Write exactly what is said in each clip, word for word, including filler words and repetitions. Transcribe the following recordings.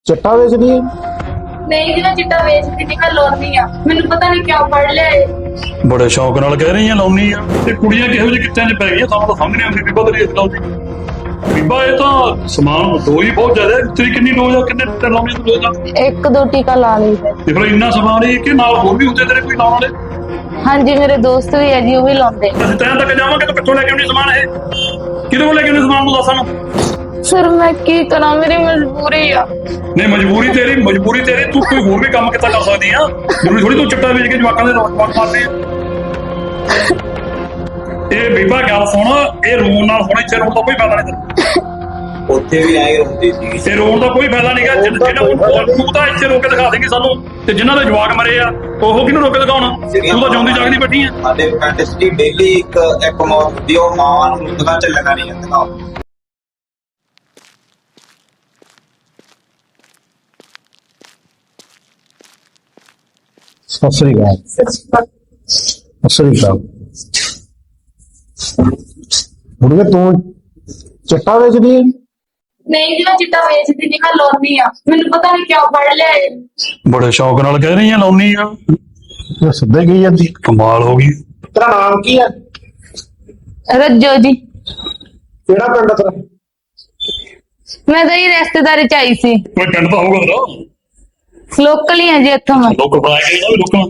चिट्टा बेचदी है? नहीं जी मैं चिट्टा बेचती नहीं, मैं लाउंदी आ। मैनू पता नहीं क्यों पढ़ लिया है। बड़े शौक नाल कह रही लाउनी आ ते कुड़ियां किहो ਜਿਹੇ ਕਿੱਤਿਆਂ 'ਚ ਪੈ ਗਈਆਂ ਸਾਨੂੰ ਤਾਂ ਸਮਝ ਨਹੀਂ ਆਉਂਦੀ ਬੀਬਾ ਤੇਰੀ ਇਸ ਲਾਉਂਦੀ ਬੀਬਾ ਇਹ ਤਾਂ ਸਮਾਨ ਦੋ ਹੀ ਬਹੁਤ ਜ਼ਿਆਦਾ ਹੈ। ਤੇਰੀ ਕਿੰਨੀ ਡੋਜ਼ ਆ, ਕਿੰਨੇ ਟਿੱਟੇ ਲਾਉਣੀ ਤੂੰ ਰੋਜ਼ ਦਾ? एक दो टीका ला लीजिए। ਤੇ ਫਿਰ ਇੰਨਾ ਸਮਾਨ ਹੀ ਕਿ ਨਾਲ ਹੋਰ ਵੀ ਹੁੰਦੇ ਤੇਰੇ ਕੋਈ ਲਾਉਣ ਵਾਲੇ? हाँ जी मेरे दोस्त भी है जी, वो भी लाਉਂਦੇ। ਅਸੀਂ ਤੈਨੂੰ ਤੱਕ ਜਾਵਾਂਗੇ ਤਾਂ ਕਿੱਥੋਂ ਲੈ ਕੇ ਆਉਣੀ ਸਮਾਨ ਇਹ? ਕਿਹਦੇ ਕੋਲ ਲੈ ਕੇ ਆਉਣੀ ਸਮਾਨ ਨੂੰ ਦੱਸ ਸਾਨੂੰ। सर मैं की करा, मेरी मजबूरी आ। ਨਹੀਂ ਮਜਬੂਰੀ ਤੇਰੀ ਮਜਬੂਰੀ ਤੇਰੀ ਤੂੰ ਕੋਈ ਹੋਰ ਵੀ ਕੰਮ ਕਿੱਦਾਂ ਕਰ ਸਕਦੀ ਆ? ਜ਼ਰੂਰੀ ਥੋੜੀ ਤੂੰ ਚਿੱਟਾ ਵੇਚ ਕੇ ਜਵਾਕਾਂ ਦੇ ਰੋਕ ਮਾਰਦੇ ਆ। ਇਹ ਬੀਬਾ ਗੱਲ ਸੁਣ, ਇਹ ਰੋਣ ਨਾਲ ਹੁਣ ਇੱਥੇ ਰੋਣ ਦਾ ਕੋਈ ਫਾਇਦਾ ਨਹੀਂ ਤੈਨੂੰ। ਉੱਥੇ ਵੀ ਆਏ ਹੁੰਦੀ ਸੀ। ਤੇ ਰੋਣ ਦਾ ਕੋਈ ਫਾਇਦਾ ਨਹੀਂਗਾ। ਜਿਹੜਾ ਤੂੰ ਤਾਂ ਇੱਥੇ ਰੋਕ ਕੇ ਦਿਖਾ ਦੇਂਗੀ ਸਾਨੂੰ, ਤੇ ਜਿਨ੍ਹਾਂ ਦੇ ਜਵਾਕ ਮਰੇ ਆ ਉਹ ਕਿਹਨੂੰ ਰੋਕ ਕੇ ਦਿਖਾਉਣਾ? ਤੂੰ ਤਾਂ ਜਿਉਂਦੀ ਜਾਗਦੀ ਬੈਠੀ ਆ। ਸਾਡੇ ਪਿੰਡ ਦੀ ਡੇਲੀ ਇੱਕ ਇੱਕ ਮੌਤ ਹੁੰਦੀ, ਉਹ ਮਾਵਾਂ ਨੂੰ ਦੁਕਾਨ ਚ ਲਗਾ ਨਹੀਂ ਜਾਂਦੀਆਂ। सत श्री अकाल। सत श्री अकाल। बुढ़िया तू चिट्टा बेचदी है? नहीं जी मैं चिट्टा बेचती नहीं, मैं लाउंदी आ। मैनू पता नहीं क्यों पढ़ लिया है। ਬੜੇ ਸ਼ੌਕ ਨਾਲ ਕਹਿ ਰਹੀ ਲਾਉਣੀ ਆ। ये सीधे गई जाती। ਕਮਾਲ ਹੋ ਗਈ। तेरा नाम की है? रज्जो जी। केड़ा पिंड तेरा? मैं तो ये रिश्तेदारी च आई सी। ਕੋਈ ਪਿੰਡ ਤਾਂ ਹੋਊਗਾ ਤੇਰਾ। लोकल ही है जी इत्थों मैं। ਲੋਕ ਬਣਾਏ ਗਏ ਨਾ ਵੀ ਲੋਕਾਂ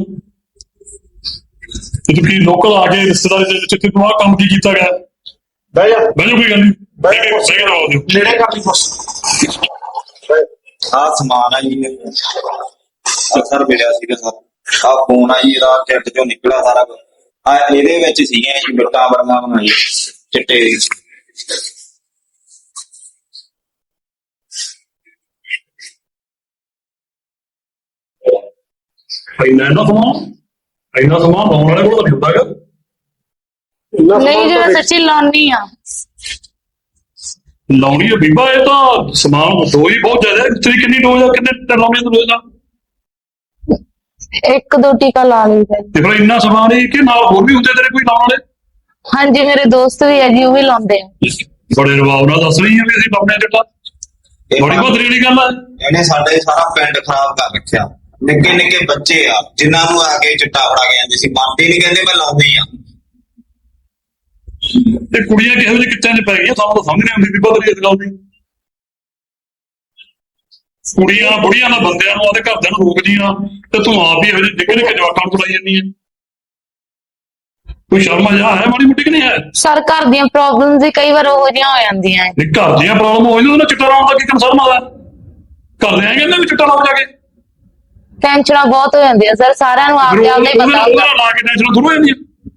ਤੇ ਤੂੰ ਕੀ ਲੋਕਲ ਆ ਕੇ ਰਿਸ਼ਤੇਦਾਰੀ ਦੇ ਵਿੱਚ ਤੂੰ ਆਹ ਕੰਮ ਕੀ ਕੀਤਾ ਗਿਆ? बह जा। ਬੈਜੋ ਕੋਈ ਗੱਲ ਨਹੀਂ। ਬਹਿ ਜਾ। ਸਹੀ ਕਰਵਾ ਦਿਓ। नेड़े कर ली बस। ਆਹ ਸਮਾਨ ਆ ਜੀ, ਅਸਰ ਮਿਲਿਆ ਸੀਗਾ ਸਰ। ਆਹ ਫੋਨ ਆ ਜੀ, ਇਹਦਾ ਕਿੱਟ ਚੋਂ ਨਿਕਲਿਆ ਸਾਰਾ ਕੁਝ। ਆ ਇਹਦੇ ਵਿੱਚ ਸੀਗੀਆਂ ਜੀ ਬਿੱਟਾਂ ਬੜੀਆਂ ਬਣਾਈ ਚਿੱਟੇ ਦੀ। ਇੰਨਾ ਇੰਨਾ ਸਮਾਨ ਇੰਨਾ ਸਮਾਨ ਲਾਉਣ ਵਾਲੇ ਕੋਲ ਤਾਂ ਨਹੀਂ ਹੁੰਦਾ ਹੈਗਾ। नहीं जी मैं सच्ची लाउंदी आ। ਲਾਉਣੀ ਹੈ ਬੀਬਾ, ਇਹ ਤਾਂ ਸਮਾਨ ਦੋ ਹੀ ਬਹੁਤ ਜ਼ਿਆਦਾ ਹੈ। ਤੇਰੀ ਕਿੰਨੀ ਡੋਜ਼ ਆ, ਕਿੰਨੇ ਟਿੱਟੇ ਲਾਉਣੇ ਤੂੰ ਰੋਜ਼ ਦਾ? एक दो टीका ला लीजिए। ਤੇ ਫਿਰ ਇੰਨਾ ਸਮਾਨ ਹੀ ਕਿ ਨਾਲ ਹੋਰ ਵੀ ਹੁੰਦੇ ਤੇਰੇ ਕੋਈ ਲਾਉਣ ਵਾਲੇ? हाँ जी मेरे दोस्त भी है जी, वो भी लाਉਂਦੇ। ਬੜੇ ਰਵਾਬ ਨਾਲ ਦੱਸ ਰਹੀ ਹੈ ਵੀ ਅਸੀਂ ਲਾਉਣੇ ਚਿੱਟਾ। ਬੜੀ ਬਦਰੀ ਵਾਲੀ ਗੱਲ ਹੈ। ਇਹਨੇ ਸਾਡੇ ਸਾਰਾ ਪਿੰਡ ਖਰਾਬ ਕਰ ਰੱਖਿਆ। ਨਿੱਕੇ ਨਿੱਕੇ ਬੱਚੇ ਆ ਜਿਨ੍ਹਾਂ ਨੂੰ ਆ ਕੇ ਚਿੱਟਾ ਫੜਾ ਕੇ ਜਾਂਦੇ ਸੀ, ਮੰਨਦੇ ਨਹੀਂ, ਕਹਿੰਦੇ ਮੈਂ ਲਾਉਂਦੀ ਆ। ਤੇ ਕੁੜੀਆਂ ਕਿਹੋ ਜਿਹੇ ਕਿੱਤਿਆਂ 'ਚ ਪੈ ਗਈਆਂ ਸਾਨੂੰ ਤਾਂ ਸਮਝ ਨਹੀਂ ਆਉਂਦੀ ਬੀਬਾ ਤੇਰੀ ਇਸ ਗੱਲ ਦੀ। ਕੁੜੀਆਂ ਬੁੜੀਆਂ ਨਾਲ ਬੰਦਿਆਂ ਨੂੰ ਆਦੇ ਘਰਦਿਆਂ ਨੂੰ ਰੋਕਦੀਆਂ ਤੇ ਤੂੰ ਆਪ ਹੀ ਇਹੋ ਜਿਹੇ ਨਿੱਕੇ ਨਿੱਕੇ ਜਵਾਕਾਂ ਨੂੰ ਚਲਾਈ ਜਾਂਦੀ ਹੈ। ਕੋਈ ਸ਼ਰਮ ਆ ਹੈ ਮਾੜੀ ਮੋਟੀ ਕਿ ਨਹੀਂ ਹੈ? ਸਰ ਘਰ ਦੀਆਂ ਪ੍ਰੋਬਲਮਸ ਵੀ ਕਈ ਵਾਰ ਉਹੋ ਜਿਹੀਆਂ ਹੋ ਜਾਂਦੀਆਂ ਹੈ। ਇਹ ਘਰ ਦੀਆਂ ਪ੍ਰੋਬਲਮ ਹੋਈ ਨਾ, ਚਿੱਟਾ ਲਾਉਣ ਦਾ ਕੀ ਕੰਸਰਨ ਆਦਾ? ਘਰ ਦੇ ਐਂ ਕਹਿੰਦੇ ਵੀ ਚਿੱਟਾ ਲਾਓ ਜਾ ਕੇ। ਟੈਨਸ਼ਨਾਂ ਬਹੁਤ ਹੋ ਜਾਂਦੀਆਂ ਸਰ, ਸਾਰਿਆਂ ਨੂੰ ਆਪਦੇ ਆਪ ਦਾ ਹੀ ਪਤਾ ਹੁੰਦਾ। ਉਹਦਾ ਲਾ ਕੇ ਟੈਨਸ਼ਨ ਥੋੜ੍ਹਾ ਹੋ ਜਾਂਦੀਆਂ।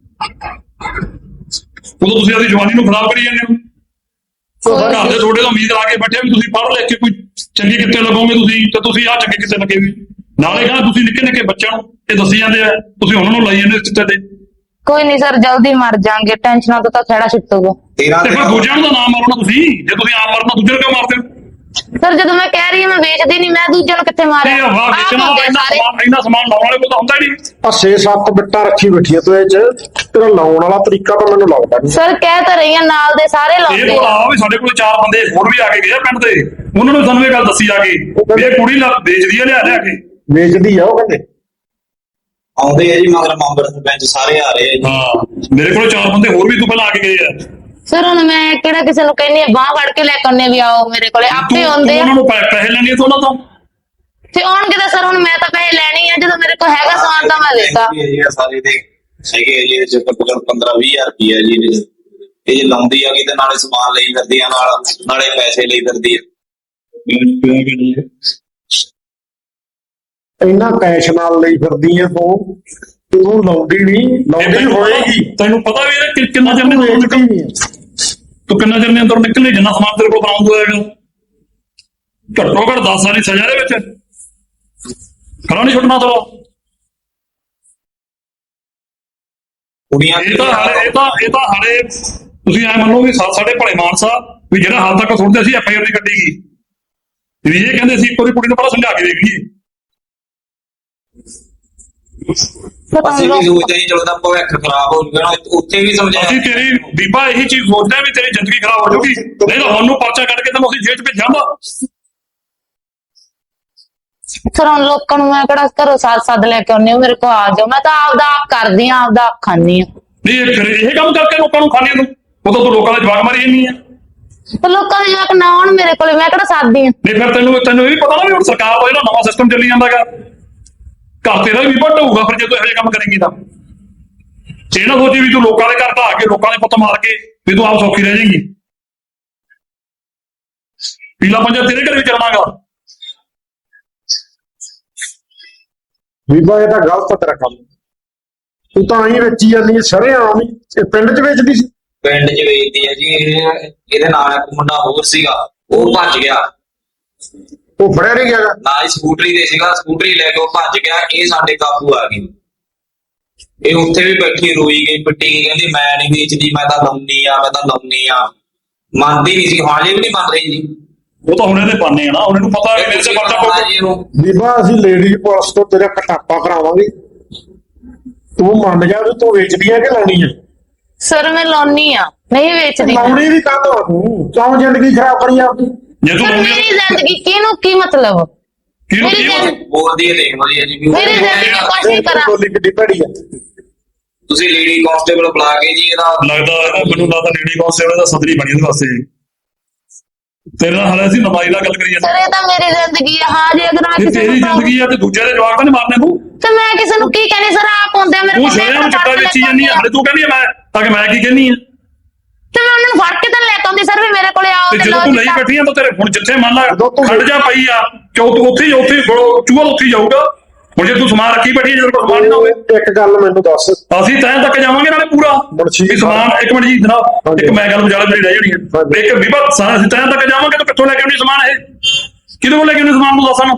ਉਦੋਂ ਤੁਸੀਂ ਆਪਣੀ ਜਵਾਨੀ ਨੂੰ ਖਰਾਬ ਕਰੀ ਜਾਂਦੇ ਹੋ। ਘਰ ਦੇ ਤੁਹਾਡੇ ਤੋਂ ਉਮੀਦ ਲਾ ਕੇ ਬੈਠੇ ਵੀ ਤੁਸੀਂ ਪੜ੍ਹ ਲਿਖ ਕੇ ਕੋਈ ਚੰਗੇ ਕਿੱਤੇ ਲੱਗੋਗੇ ਤੁਸੀਂ, ਤੇ ਤੁਸੀਂ ਆਹ ਚੰਗੇ ਕਿੱਤੇ ਲੱਗੇ ਵੀ। ਨਾਲੇ ਕਹਿੰਦਾ ਤੁਸੀਂ ਨਿੱਕੇ ਨਿੱਕੇ ਬੱਚਿਆਂ ਨੂੰ ਇਹ ਦੱਸੀ ਜਾਂਦੇ ਆ, ਤੁਸੀਂ ਉਹਨਾਂ ਨੂੰ ਲਾਈ ਜਾਂਦੇ ਇਸ ਚਿੱਟੇ ਤੇ। ਕੋਈ ਨਹੀਂ ਸਰ, ਜਲਦੀ ਮਰ ਜਾਾਂਗੇ, ਟੈਨਸ਼ਨਾਂ ਤੋਂ ਤਾਂ ਖਹਿੜਾ ਛੁੱਟੂਗਾ। ਤੇਰਾਂ ਤੇ ਫਿਰ ਦੂਜਿਆਂ ਨੂੰ ਤਾਂ ਨਾ ਮਾਰੋ ਨਾ ਤੁਸੀਂ। ਜੇ ਤੁਸੀਂ ਆਪ ਮਰਨਾ ਦੂਜੇ ਨੂੰ ਕਿਉਂ ਮਾਰਦੇ ਹੋ? ਸਰ ਜਦੋਂ ਮੈਂ ਕਹਿ ਰਹੀ ਹਾਂ ਮੈਂ ਵੇਚਦੀ ਨਹੀਂ, ਮੈਂ ਦੂਜਿਆਂ ਨੂੰ ਕਿੱਥੇ ਮਾਰਿਆ? ਇਹ ਹਵਾ ਆਪ ਵੇਚਣਾ ਹੁੰਦੇ ਇੰਨਾ ਸਾਰੇ। ਸਮਾਨ ਇੰਨਾ ਸਮਾਨ ਲਾਉਣ ਵਾਲੇ ਕੋਲ ਤਾਂ ਹੁੰਦਾ ਹੀ ਨਹੀਂ। आ छे सत्त बिट्टा रखी बैठी है तू, ये तेरा लाउण वाला तरीका तो मैनूं लगदा नहीं। ਸਰ ਕਹਿ ਤਾਂ ਰਹੀ ਹਾਂ, ਨਾਲ ਦੇ ਸਾਰੇ ਇਹ ਲਾਉਂਦੇ ਕੋਲ ਆ। ਆ ਵੀ ਸਾਡੇ ਕੋਲ ਚਾਰ ਬੰਦੇ ਹੋਰ ਵੀ ਆ ਕੇ ਗਏ ਆ ਪਿੰਡ ਦੇ, ਉਹਨਾਂ ਨੂੰ ਸਾਨੂੰ ਇਹ ਗੱਲ ਦੱਸੀ ਆ ਕੇ ਵੀ ਇਹ ਕੁੜੀ ਲਾ ਵੇਚਦੀ ਆ ਲਿਆ ਲਿਆ ਕੇ। ਵੇਚਦੀ ਆ ਉਹ ਕਹਿੰਦੇ। ਆਉਂਦੇ ਆ ਜੀ ਮਗਰ ਮੈਂਬਰ ਸਰਪੰਚ ਸਾਰੇ ਆ ਰਹੇ ਆ ਜੀ। ਹਾਂ ਮੇਰੇ ਕੋਲ ਚਾਰ ਬੰਦੇ ਹੋਰ ਵੀ ਤੋਂ ਪਹਿਲਾਂ ਆ ਕੇ ਗਏ ਆ। ਸਰ ਹੁਣ ਮੈਂ ਕਿਹੜਾ ਕਿਸੇ ਨੂੰ ਕਹਿੰਨੀ ਆ ਬਾਹ ਫੜ ਕੇ ਲੈ ਕੇ ਆਉਂਦੇ ਵੀ ਆਓ ਮੇਰੇ ਕੋਲੇ, ਆਪੇ ਤੂੰ- ਆਉਂਦੇ ਤੂੰ ਆ। ਉਹਨਾਂ ਨੂੰ ਪੈ- ਪੈਸੇ ਲੈਣੇ ਤੋਂ ਉਹਨਾਂ ਤੋਂ। ਤੇ ਆਉਣਗੇ ਤਾਂ ਸਰ ਹੁਣ ਮੈਂ ਤਾਂ ਪੈਸੇ ਲੈਣੇ ਆ, ਜਦੋਂ ਮੇਰੇ ਕੋਲ ਹੈਗਾ ਸਮਾਨ ਤਾਂ ਮੈਂ ਦੇਤਾ। ਇਹ ਜੀ ਸਾਰੇ ਦੇ ਹੈਗੇ ਆ ਜੀ, ਇਹਦੇ ਚ ਘੱਟੋ ਘੱਟ ਪੰਦਰਾਂ ਵੀਹ ਹਜ਼ਾਰ ਰੁਪਈਆ ਜੀ ਇਹਦੇ ਚ। ਇਹ ਜੇ ਲਾਉਂਦੀ ਆ ਕਿ ਤੇ ਨਾਲੇ ਸਮਾਨ ਲਈ ਫਿਰਦੀ ਆ, ਨਾਲ ਨਾਲੇ ਪੈਸੇ ਲਈ ਫਿਰਦੀ ਆ। ਇੰਨਾ ਕੈਸ਼ ਨਾਲ ਲਈ ਫਿਰਦੀ ਆ ਤੂੰ, ਤੂੰ ਲਾਉਂਦੀ ਨਹੀਂ, ਲਾਉਂਦੀ ਹੋਏਗੀ। ਤੈਨੂੰ ਪਤਾ ਵੀ ਇਹ ਕਿ- ਕਿੰਨਾ ਚਿਰ ਨੇ ਅੰਦਰ ਵੇਚਦੀ ਨਿਕਲ ਨਹੀਂ ਆ। ਤੂੰ ਕਿੰਨਾ ਚਿਰ ਨੇ ਅੰਦਰ ਨਿਕਲਣੇ ਜਿੰਨਾ ਸਮਾਨ ਤੇਰੇ ਕੋਲ ਬਰਾਮਦ ਹੋਏਗਾ। ਘੱਟੋ ਘੱਟ ਦਸ ਸਾਲ ਦੀ ਸਜ਼ਾ ਦੇ ਵਿੱਚ ਖੜਾ ਨਹੀਂ ਛੁੱਟਣਾ ਤੋ। ਕੁੜੀਆਂ ਇਹ ਤਾਂ ਹਾਲੇ ਇਹ ਤਾਂ ਇਹ ਤਾਂ ਹਾਲੇ ਤੁਸੀਂ ਐ ਮੰਨੋ ਵੀ ਸਾ- ਸਾਡੇ ਭਲੇ ਮਾਨਸਾ ਵੀ ਜਿਹੜਾ ਹਾਲ ਤੱਕ ਸੁਣਦੇ ਸੀ ਐਫ ਆਈ ਆਰ ਨਹੀਂ ਕੱਢੀ ਗਈ ਵੀ ਇਹ ਕਹਿੰਦੇ ਸੀ ਇੱਕ ਵਾਰੀ ਕੁੜੀ ਨੂੰ ਪਹਿਲਾਂ ਸਮਝਾ ਕੇ ਦੇਖ ਲਈਏ। ਅਸੀਂ ਵੀ ਸੋਚਦੇ ਸੀ ਚਲੋ ਦਾ ਭਵਿੱਖ ਖਰਾਬ ਹੋ ਜੂਗਾ ਨਾ, ਉੱਥੇ ਵੀ ਸਮਝਾਇਆ। ਅਸੀਂ ਤੇਰੀ ਬੀਬਾ ਇਹੀ ਚੀਜ਼ ਸੋਚਦੇ ਆ ਵੀ ਤੇਰੀ ਜ਼ਿੰਦਗੀ ਖਰਾਬ ਹੋ ਜਾਊਗੀ, ਨਹੀਂ ਤਾਂ ਹੁਣ ਨੂੰ ਪਰਚਾ ਕੱਢ ਕੇ ਤੈਨੂੰ ਅਸੀਂ ਜੇਲ੍ਹ 'ਚ ਭੇਜਾਂਗਾ। ਸਰ ਹੁਣ ਲੋਕਾਂ ਨੂੰ ਮੈਂ ਕਿਹੜਾ ਘਰੋਂ ਸਾਥ ਸੱਦ ਲੈ ਕੇ ਆਉਂਦੀ ਮੇਰੇ ਕੋਲ ਆ ਜਾਓ, ਮੈਂ ਤਾਂ ਆਪਦਾ ਆਪ ਕਰਦੀ ਆ, ਆਪਦਾ ਆਪ ਖਾਂਦੀ ਆ। ਨਹੀਂ ਇਹ ਫਿਰ ਇਹ ਕੰਮ ਕਰਕੇ ਲੋਕਾਂ ਨੂੰ ਖਾਣੇ ਨੂੰ ਉਹ ਤਾਂ ਤੂੰ ਲੋਕਾਂ ਦਾ ਜਵਾਕ ਮਾਰੀ ਜਾਂਦੀ ਆ। ਤੇ ਲੋਕਾਂ ਦੇ ਜਵਾਕ ਨਾ ਆਉਣ ਮੇਰੇ ਕੋਲੇ, ਮੈਂ ਕਿਹੜਾ ਸਾਥਦੀ ਆ। ਨਹੀਂ ਫਿਰ ਤੈਨੂੰ ਤੈਨੂੰ ਇਹ ਵੀ ਪਤਾ ਨਾ ਵੀ ਹੁਣ ਸਰਕਾਰ ਦਾ ਜਿਹੜਾ ਨਵਾਂ ਸਿਸਟਮ ਚੱਲੀ ਜਾਂਦਾਗਾ, ਘਰ ਤੇਰਾ ਵੀ ਵੱਟ ਹੋਊਗਾ ਫਿਰ ਜੇ ਤੂੰ ਇਹੋ ਜਿਹੇ ਕੰਮ ਕਰੇਂਗੀ ਤਾਂ। ਇਹ ਨਾ ਸੋਚੀ ਵੀ ਤੂੰ ਲੋਕਾਂ ਦੇ ਘਰ ਤਾਂ ਆ ਕੇ ਲੋਕਾਂ ਦੇ ਪੁੱਤ ਮਾਰ ਕੇ ਵੀ ਤੂੰ ਆਪ ਸੌਖੀ ਰਹਿ ਜਾਏਂਗੀ। ਪੀਲਾ ਪੰਜਾ ਤੇਰੇ ਘਰ ਵੀ ਚੱਲਣਾਗਾ। ਬੀਬਾ ਇਹ ਤਾਂ ਗਲਤ ਆ ਤੇਰਾ ਕੰਮ, ਤੂੰ ਤਾਂ ਆਈ ਵੇਚੀ ਜਾਂਦੀ ਸ਼ਰੇਆਮ ਹੀ। ਇਹ ਪਿੰਡ 'ਚ ਵੇਚਦੀ ਸੀ? ਪਿੰਡ 'ਚ ਵੇਚਦੀ ਹੈ ਜੀ ਇਹ। ਇਹਦੇ ਨਾਲ ਇੱਕ ਮੁੰਡਾ ਹੋਰ ਸੀਗਾ, ਉਹ ਭੱਜ ਗਿਆ। ਉਹ ਫੜਿਆ ਨਹੀਂ ਗਿਆ? ਨਾ ਹੀ ਸਕੂਟਰੀ ਤੇ ਸੀਗਾ, ਸਕੂਟਰੀ ਲੈ ਕੇ ਉਹ ਭੱਜ ਗਿਆ। ਇਹ ਸਾਡੇ ਕਾਬੂ ਆ ਗਈ। ਇਹ ਉੱਥੇ ਵੀ ਬੈਠੀ ਰੋਈ ਗਈ, ਪਿੱਟੀ ਗਈ, ਕਹਿੰਦੀ ਮੈਂ ਨਹੀਂ ਵੇਚਦੀ, ਮੈਂ ਤਾਂ ਲਾਉਣੀ ਆ, ਮੈਂ ਤਾਂ ਲਾਉਣੀ ਆ। ਮੰਨਦੀ ਨਹੀਂ ਸੀ, ਹਾਲੇ ਵੀ ਨਹੀਂ ਮੰਨ ਰਹੀ ਜੀ। ਉਹ ਤਾਂ ਹੁਣ ਇਹਦੇ ਪਾਣੇ ਆ ਨਾ, ਹੁਣ ਇਹਨੂੰ ਪਤਾ ਵੀ ਮੇਰੇ ਤੇ ਪਰਚਾ ਪਊਗਾ ਜੀ ਇਹਨੂੰ। ਬੀਬਾ ਅਸੀਂ ਲੇਡੀ ਪੁਲਿਸ ਤੋਂ ਤੇਰਾ ਕਟਾਪਾ ਕਰਾਵਾਂਗੇ, ਤੂੰ ਮੰਨ ਜਾ ਵੀ ਤੂੰ ਵੇਚਦੀ ਆ ਕਿ ਲਾਉਣੀ ਆ। ਸਰ ਮੈਂ ਲਾਉਣੀ ਆ, ਨਹੀਂ ਵੇਚਦੀ। ਲਾਉਣੀ ਵੀ ਕਾਹਤੋਂ ਆ ਤੂੰ? ਕਿਉਂ ਜ਼ਿੰਦਗੀ ਖਰਾਬ ਕਰੀ ਆਪਦੀ? ਜੇ ਤੂੰ ਸਰ ਲਾਉਂਦੀ ਮੇਰੀ ਜ਼ਿੰਦਗੀ ਕਿਹਨੂੰ ਕੀ ਮਤਲਬ? ਕਿਹਨੂੰ ਮੇਰੀ ਕੀ ਜ਼ਿੰਦਗੀ- ਬੋਲਦੀ ਹੈ ਦੇਖ ਲਓ ਜੀ ਅਜੀ ਵੀ। ਮੇਰੀ ਜ਼ਿੰਦਗੀ ਕੁਛ ਨਹੀਂ ਕਰਾਂ। ਬੋਲੀ ਕਿੱਡੀ ਭੈੜੀ ਆ। ਤੁਸੀਂ ਲੇਡੀ ਕਾਂਸਟੇਬਲ ਬੁਲਾ ਕੇ ਜੀ ਇਹਦਾ ਲੱਗਦਾ ਮੈਨੂੰ ਲੱਗਦਾ ਲੇਡੀ ਕਾਂਸਟੇਬਲ ਦਾ ਸਦਰੀ ਬਣੀ ਉਹਦੇ ਵਾਸਤੇ। ਤੇਰੇ ਨਾਲ ਹਾਲੇ ਅਸੀਂ ਨਮਾਈ ਨਾਲ ਗੱਲ ਕਰੀ ਸਰ ਜਾਂਦੇ। ਇਹ ਤਾਂ ਮੇਰੀ ਜ਼ਿੰਦਗੀ ਆ। ਹਾਂ ਜੇ ਅਗਰ ਮੈਂ ਜੇ ਕਿਸੇ ਤੇਰੀ ਨੂੰ ਜ਼ਿੰਦਗੀ ਆ ਤੇ ਦੂਜੇ ਦੇ ਜਵਾਕ ਤਾਂ ਨਹੀਂ ਮਾਰਨੇ ਤੂੰ। ਤੇ ਮੈਂ ਕਿਸੇ ਨੂੰ ਕੀ ਕਹਿੰਦੀ ਸਰ, ਆਪ ਹੁੰਦੇ ਆ ਮੇਰੇ ਤੂੰ ਕੋਲ। ਮੈਂ ਸ਼ਰਿਆਮ ਚਿੱਟਾ ਵੇਚੀ ਜਾਂਦੀ ਆ, ਹਲੇ ਤੂੰ ਕਹਿੰਦੀ ਆ ਮੈਂ ਤਾਂ ਕਿ ਮੈਂ ਕੀ ਕਹਿੰਦੀ ਆ। ਤੇ ਮੈਂ ਉਹਨਾਂ ਨੂੰ ਫੜ ਕੇ ਤਾਂ ਲੈ ਕੇ ਆਉਂਦੀ ਸਰ ਵੀ ਮੇਰੇ ਕੋਲੇ ਆਓ ਤੇ ਤੇ ਜਦੋਂ ਲਓ ਤੂੰ ਜੀ ਲਈ ਤਾਂ- ਬੈਠੀ ਆ ਤਾਂ ਤੇਰੇ ਹੁਣ ਜਿੱਥੇ ਮੰਨ ਲਾ ਜਦੋਂ ਤੂੰ- ਖੜ ਜਾ ਪਈ ਆ ਕਿਉਂ ਤੂੰ ਉੱਥੇ ਹੀ ਉੱਥੇ ਹੀ ਚੂਹਾ ਉੱਥੇ ਹੀ ਜਾਊਗਾ। ਹੁਣ ਜੇ ਤੂੰ ਸਮਾਨ ਰੱਖੀ ਬੈਠੀ ਜਦੋਂ ਕੋਲ ਸਮਾਨ ਨਹੀਂ ਨਾ ਹੋਵੇ ਇੱਕ ਗੱਲ ਮੈਨੂੰ ਦੱਸ, ਅਸੀਂ ਤੈਂ ਤੱਕ ਜਾਵਾਂਗੇ ਨਾਲੇ ਪੂਰਾ ਮੁਨਸ਼ੀ ਵੀ ਸਮਾਨ। ਇੱਕ ਮਿੰਟ ਜੀ ਜਨਾਬ, ਇੱਕ ਮੈਂ ਗੱਲ ਵਿਚਾਲੇ ਮੇਰੀ ਰਹਿ ਜਾਣੀ ਹੈ। ਹਾਂਜੀ। ਇੱਕ ਵਿਭਾ ਸਾਰਾ ਅਸੀਂ ਤੈਂ ਤੱਕ ਜਾਵਾਂਗੇ ਤਾਂ ਕਿੱਥੋਂ ਲੈ ਕੇ ਆਉਣੀ ਸਮਾਨ? ਇਹ ਕਿਹਦੇ ਕੋਲ ਲੈ ਕੇ ਆਉਣੀ ਸਮਾਨ ਨੂੰ ਦੱਸ ਸਾਨੂੰ।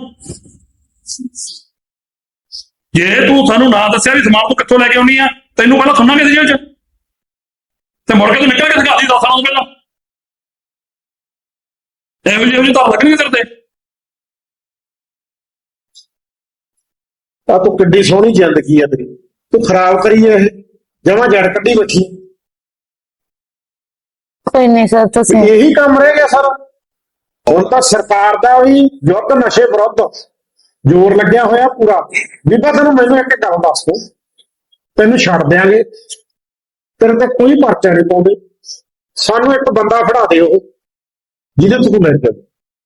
ਜੇ ਤੂੰ ਸਾਨੂੰ ਨਾ ਦੱਸਿਆ ਵੀ ਸਮਾਨ ਤੂੰ ਕਿੱਥੋਂ ਲੈ ਕੇ ਆਉਣੀ ਆ, ਤੈਨੂੰ ਪਹਿਲਾਂ ਸੁਣਾਂਗੇ ਸੀ ਜੇਲ੍ਹ ਚ ਤੇ ਮੁੜ ਕੇ ਤੂੰ ਨਿਕਲ ਕੇ ਦਿਖਾ ਦੀ ਦਸ ਸਾਲਾਂ ਤੋਂ ਪਹਿਲਾਂ। ਇਹੋ ਜਿਹੀ ਇਹੋ ਜਿਹੀ ਤਾਂ ਲੱਗਣਗੇ ਤੇਰੇ ਤੇ। ਆ ਤੂੰ ਕਿੱਡੀ ਸੋਹਣੀ ਜ਼ਿੰਦਗੀ ਆ ਤੇਰੀ, ਤੂੰ ਖਰਾਬ ਕਰੀ ਐ ਇਹ, ਜਮਾਂ ਜੜ ਕੱਢੀ ਬੈਠੀ। ਕੋਈ ਨਹੀਂ ਸਰ ਤੁਸੀਂ ਇਹੀ ਕੰਮ ਰਹਿ ਗਿਆ ਸਾਰਾ। ਹੁਣ ਤਾਂ ਸਰਕਾਰ ਦਾ ਵੀ ਯੁੱਧ ਨਸ਼ੇ ਵਿਰੁੱਧ ਜ਼ੋਰ ਲੱਗਿਆ ਹੋਇਆ ਪੂਰਾ। ਬੀਬਾ ਤੈਨੂੰ ਮੈਨੂੰ ਇੱਕ ਗੱਲ ਦੱਸ ਦੋ, ਤੈਨੂੰ ਛੱਡ ਦਿਆਂਗੇ, ਤੇਰੇ ਤੇ ਕੋਈ ਪਰਚਾ ਨਹੀਂ ਪਾਉਂਦੇ। ਸਾਨੂੰ ਇੱਕ ਬੰਦਾ ਫੜਾ ਦੇ ਉਹ ਜਿਹਦੇ ਤੋਂ ਤੂੰ ਲੈ ਕੇ।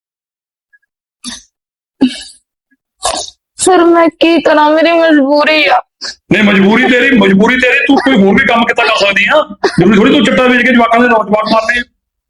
ਸਰ ਮੈਂ ਕੀ ਕਰਾਂ, ਮੇਰੀ ਮਜਬੂਰੀ ਆ। ਨਹੀਂ ਮਜਬੂਰੀ ਤੇਰੀ ਮਜਬੂਰੀ ਤੇਰੀ ਤੂੰ ਕੋਈ ਹੋਰ ਵੀ ਕੰਮ ਕਿੱਦਾਂ ਕਰ ਸਕਦੀ ਆ। ਜ਼ਰੂਰੀ ਥੋੜੀ ਤੂੰ ਚਿੱਟਾ ਵੇਚ ਕੇ ਜਵਾਕਾਂ ਦੇ ਨੌਜਵਾਨ ਮਾਰਨੇ।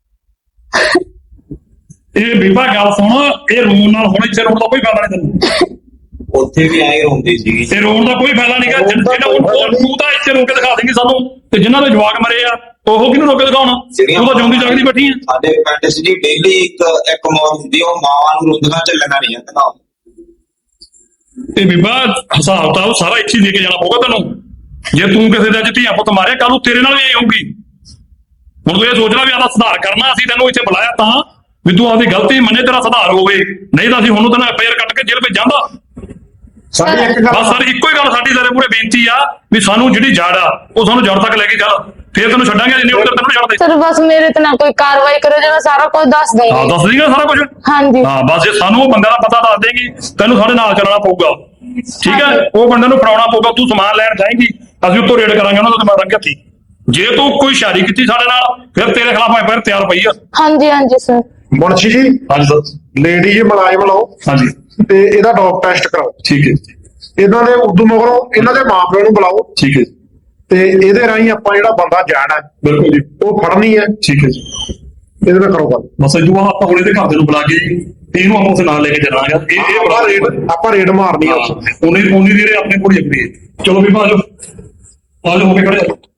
ਇਹ ਬੀਬਾ ਗੱਲ ਸੁਣ, ਇਹ ਰੋਣ ਨਾਲ ਹੁਣ ਇੱਥੇ ਰੋਣ ਦਾ ਕੋਈ ਫਾਇਦਾ ਨਹੀਂ ਤੈਨੂੰ। ਉੱਥੇ ਵੀ ਐਂ ਰੋਂਦੀ ਸੀਗੀ। ਤੇ ਰੋਣ ਦਾ ਕੋਈ ਫਾਇਦਾ ਨਹੀਂਗਾ। ਜਿਹੜਾ ਤੂੰ ਤਾਂ ਇੱਥੇ ਰੋ ਕੇ ਦਿਖਾ ਦੇਂਗੀ ਸਾਨੂੰ, ਤੇ ਜਿਨ੍ਹਾਂ ਦੇ ਜਵਾਕ ਮਰੇ ਆ ਉਹ ਕਿਹਨੂੰ ਰੋ ਕੇ ਦਿਖਾਉਣਾ? ਤੂੰ ਤਾਂ ਜਿਉਂਦੀ ਜਾਗਦੀ ਬੈਠੀ ਆ। ਸਾਡੇ ਪਿੰਡ 'ਚ ਜੀ ਡੇਲੀ ਇੱਕ ਇੱਕ ਮੌਤ ਹੁੰਦੀ, ਉਹ ਮਾਵਾਂ ਨੂੰ ਰੋਂਦੀਆਂ ਚੱਲਣਾ ਨਹੀਂ ਜਾਂਦਾ। ਤੇ ਬੀਬਾ ਹਿਸਾਬ ਤਾਂ ਸਾਰਾ ਇੱਥੇ ਹੀ ਦੇ ਕੇ ਜਾਣਾ ਪਊਗਾ ਤੈਨੂੰ। ਜੇ ਤੂੰ ਕਿਸੇ ਦਾ ਅੱਜ ਧੀਆ ਪੁੱਤ ਮਾਰਿਆ, ਕੱਲ ਨੂੰ ਤੇਰੇ ਨਾਲ ਵੀ ਇਹ ਹੋਊਗੀ। ਹੁਣ ਤੂੰ ਇਹ ਸੋਚ ਲੈ ਵੀ ਆਹ ਸੁਧਾਰ ਕਰਨਾ, ਅਸੀਂ ਤੈਨੂੰ ਇੱਥੇ ਬੁਲਾਇਆ ਤਾਂ ਵੀ ਤੂੰ ਆਪਦੀ ਗਲਤੀ ਮੰਨੇ, ਤੇਰਾ ਸੁਧਾਰ ਹੋਵੇ। ਨਹੀਂ ਤਾਂ ਅਸੀਂ ਹੁਣ ਤੈਨੂੰ ਐਫ ਆਈ ਆਰ ਕੱਟ ਕੇ ਜੇਲ੍ਹ ਭੇਜ ਜਾਂਦਾ। ਸਾਡੀ ਇੱਕ ਬਸ ਗੱਲ ਸਾਡੀ ਇੱਕੋ ਹੀ ਗੱਲ ਸਾਡੀ ਤੇਰੇ ਮੂਹਰੇ ਬੇਨਤੀ ਆ ਵੀ ਸਾਨੂੰ ਜਿਹੜੀ ਜੜ ਆ ਉਹ ਸਾਨੂੰ ਜੜ ਤੱਕ ਲੈ ਕੇ ਚੱਲ, ਫੇਰ ਤੈਨੂੰ ਛੱਡਾਂਗੇ। ਜਿੰਨੀ ਉਧਰ ਤੈਨੂੰ ਛੱਡਦੇ। ਸਰ ਬਸ ਮੇਰੇ ਤੇ ਨਾ ਕੋਈ ਕਾਰਵਾਈ ਕਰੋ, ਜੇ ਮੈਂ ਸਾਰਾ ਕੁਝ ਦੱਸ ਹਾਂ ਦਊਂਗੀ। ਦੱਸ ਦੇਗਾ ਸਾਰਾ ਕੁਝ। ਹਾਂਜੀ ਹਾਂ ਬਸ ਜੇ ਸਾਨੂੰ ਉਹ ਬੰਦੇ ਦਾ ਪਤਾ ਦੱਸ ਦੇਗੀ, ਤੈਨੂੰ ਸਾਡੇ ਨਾਲ ਚੱਲਣਾ ਪਊਗਾ। ਠੀਕ ਹੈ, ਉਹ ਬੰਦੇ ਨੂੰ ਫੜਾਉਣਾ ਪਊਗਾ। ਤੂੰ ਸਮਾਨ ਲੈਣ ਜਾਏਂਗੀ, ਅਸੀਂ ਉੱਤੋਂ ਰੇਡ ਕਰਾਂਗੇ ਉਹਨਾਂ ਤੋਂ ਮਾਰਾਂਗੇ ਹੱਥੀ। ਜੇ ਤੂੰ ਕੋਈ ਸ਼ਾਰੀ ਕੀਤੀ ਸਾਡੇ ਨਾਲ, ਫਿਰ ਤੇਰੇ ਖਿਲਾਫ ਐਫ ਆਈ ਆਰ ਤਿਆਰ ਪਈ ਆ। ਹਾਂਜੀ ਹਾਂਜੀ ਸਰ। ਮੁਨਸ਼ੀ ਜੀ, ਹਾਂਜੀ ਸਰ। ਲੇਡੀ ਜੀ ਮੁਲਾਜ਼ਮ ਲਾਓ ਹਾਂਜੀ ਤੇ ਇਹਦਾ ਡੋਪ ਟੈਸਟ ਕਰਾਓ। ਠੀਕ ਹੈ ਇਹਨਾਂ ਦੇ ਉਦੋਂ ਮਗਰੋਂ ਇਹਨਾਂ ਦੇ ਮਾਪਿਆਂ ਨੂੰ ਬੁਲਾਓ ਠੀਕ ਹੈ ਤੇ ਇਹਦੇ ਰਾਹੀਂ ਆਪਾਂ ਜਿਹੜਾ ਬੰਦਾ ਜਾਣਾ ਹੈ ਬਿਲਕੁਲ ਜੀ। ਉਹ ਫੜਨੀ ਹੈ। ਠੀਕ ਹੈ ਜੀ। ਇਹਦੇ ਨਾਲ ਕਰੋ ਗੱਲ। ਬਸ ਇਹ ਤੋਂ ਆਪਾਂ ਹੁਣ ਇਹਦੇ ਘਰ ਦੇ ਨੂੰ ਬੁਲਾ ਕੇ ਇਹਨੂੰ ਆਪਾਂ ਉਸ ਨਾਲ ਲੈ ਕੇ ਚੱਲਾਂਗੇ। ਇਹ ਇਹ ਆਪਾਂ ਰੇਡ ਆਪਾਂ ਰੇਡ ਮਾਰਨੀ ਆ। ਉਹਨੇ ਉਹਨੇ ਜਿਹੜੇ ਆਪਣੇ ਕੋਲ ਹੀ ਅਗਰੀ। ਚਲੋ ਵੀ ਭਾਜੋ ਆਜੋ ਹੋ ਕੇ ਖੜੇ।